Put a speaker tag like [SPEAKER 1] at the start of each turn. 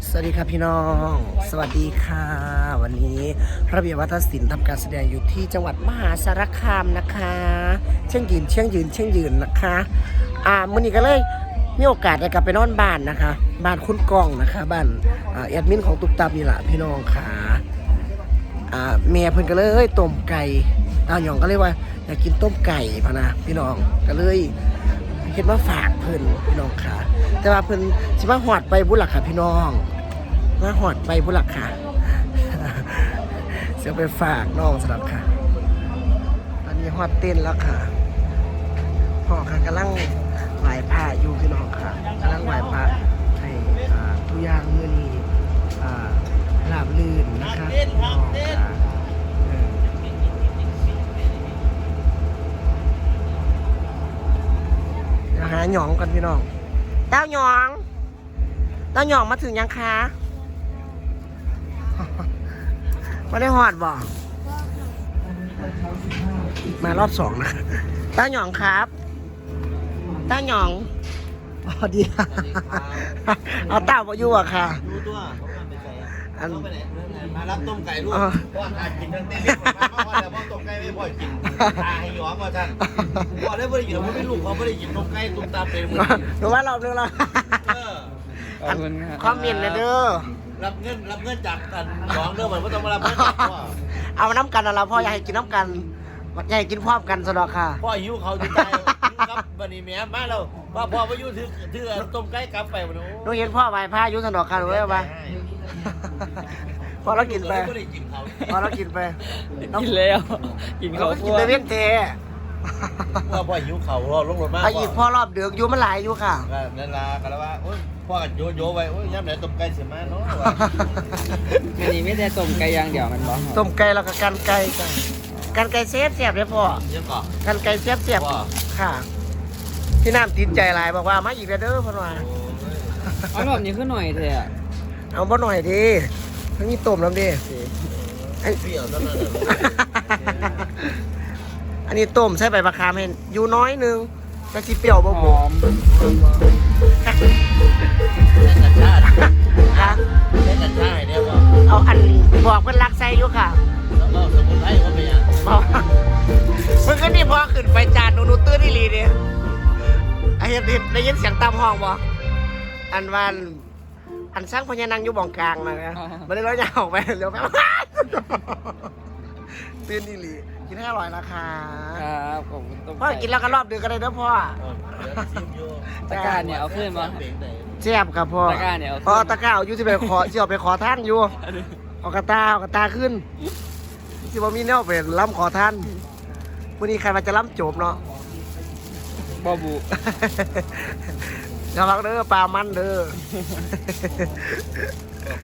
[SPEAKER 1] สวัสดีครับพี่น้องสวัสดีค่ะวันนี้ระเบียบวัฒนศิลป์ทำการแสดงอยู่ที่จังหวัดมหาสารคามนะคะเชียงยืนนะคะมื้อนี้ก็เลยมีโอกาสได้กลับไปนอนบ้านนะคะบ้านคุณกองนะคะบ้านแอดมินของตุ๊กตานี่แหละพี่น้องค่ะเมียเพิ่นก็เลยต้มไก่หยองก็เลยว่าอยากกินต้มไก่พะนะพี่น้องก็เลยเฮ็ดมาฝากเพิ่นพี่น้องค่ะแต่ว่าเพิ่นสิมาฮอดไปบุญล่ะค่ะพี่น้องมาหอดไปบุหลักค่ะเสียไปฝากน้องสำหรับค่ะตอนนี้หอดเต้นแล้วค่ะพ่อค่ะกำลังไหว้พระอยู่พี่น้องค่ะกำลังไหว้พระให้ทุกอย่างมื้อนี้ราบรื่นนะคะพี่น้องค่ะเดี๋ยวหาหยองกันพี่น้องเต้าหยองมาถึงยังคะไม่ได้หอดบ่มารอบสองนะต้าหยองครับต้าหยองอ๋อดีเอาเต้ามาอยู่อ่ะค่ะ
[SPEAKER 2] ดูตัวเขาไปไหนมารับต้มไก่ลูกพ่อทานกินทั้งเต้นพ่อแต่พ่อต้มไก่ไม่พ่อกินตาให้ย้อมว่าท่านพ่อได้ไม่ได้กินพ่อไม่ลูกเขาไม่ได้กินต้มไก่ตุ้มตาเป็นเหมือน
[SPEAKER 1] หนูว่ารอบนึงแล้วคอมเมนต์เลยเด้อ
[SPEAKER 2] รับเงินจากกันน้องเด้อเหมือนว่าต้องมารับเงินจากพ่อ
[SPEAKER 1] เอาน้ำกันนะเราพ่ออยากให้กินน้ำกันอยากให้กินพร้อมกันสนอค่ะ
[SPEAKER 2] พ่อหิวเขาจะตายครับบันนี้แม่มาแล้วพ่อไปยุ่ถือต้มไก่กลับไปวันนู้น
[SPEAKER 1] หนูเห็นพ่อไหว้พระยุ่สนอค่ะหนูไว้ป่ะพอเรากินไปพอเรากินไป
[SPEAKER 3] กินแล้วกินเขา
[SPEAKER 1] กินไปเวียนเท
[SPEAKER 2] พ่อหิวเขาลงรถมาก
[SPEAKER 1] อีกพ่อรอบเดือกอยู่มันหลายอยู่ค่ะ
[SPEAKER 2] นั่นละกันแล้วว่าพ่อกันโยไว้ย่ำไหนต้มไก่เสียมาเนาะ
[SPEAKER 3] อันนี้ไม่ได้ต้มไก่ย่างเดียวมันบอก
[SPEAKER 1] ต้มไก่แล้วก็กันไก่เสียบเลยพ่อกันไก่เสียบค่ะพี่น้ำติดใจหลายบอกว่ามาอีกแล้วเด้อพ่อหน่อย
[SPEAKER 3] เอาแบบนี้ขึ้นหน่อยเถอะ
[SPEAKER 1] เอาบ่หน่อยดิทั้งนี้ต้มแล้วดิอันนี้ต้มใส่ใบมะขามเห็นอยู่น้อยนึงจะสิเปรี้ยวบ่หอม
[SPEAKER 2] ค่ะเล่นกันได้เนี่ยว่า
[SPEAKER 1] เอาอันบอกเพิ่นรักใส่อยู่ค่ะ
[SPEAKER 2] แล้วก็สมุนไพรเขาไปยัง
[SPEAKER 1] เพิ่นก็นี่พอขึ้นไปจานหนูตื้นอีหลีเด้ไอ้เห็นได้ยินเสียงตามห้องบ่อันวันอันสร้างพญานังอยู่บ่องกลางนะมันเลยร้อยยาวออกไปเร็วไปตื่นอีหลีกินให้อร่อยนะคะ
[SPEAKER 3] ครับผม
[SPEAKER 1] พ่อกินแล้วก็รอบเดือนก็ได้เด้อพ่อ
[SPEAKER 3] ตะกร้าเนี่ยเอาขึ้นมา
[SPEAKER 1] แซ่บครับพ่อ
[SPEAKER 3] ตะกร้าเนี่ย
[SPEAKER 1] พ่อตะกร้าอยู่ที่ไปขอที่เอาไปขอท่านอยู่เอากระตาขึ้นที่บ่มีแนวเป็นล้ำขอท่านวันนี้ใครมาจะล้ำโจบเนาะ
[SPEAKER 3] บอบู
[SPEAKER 1] ระวังเด้อปลามันเด้อ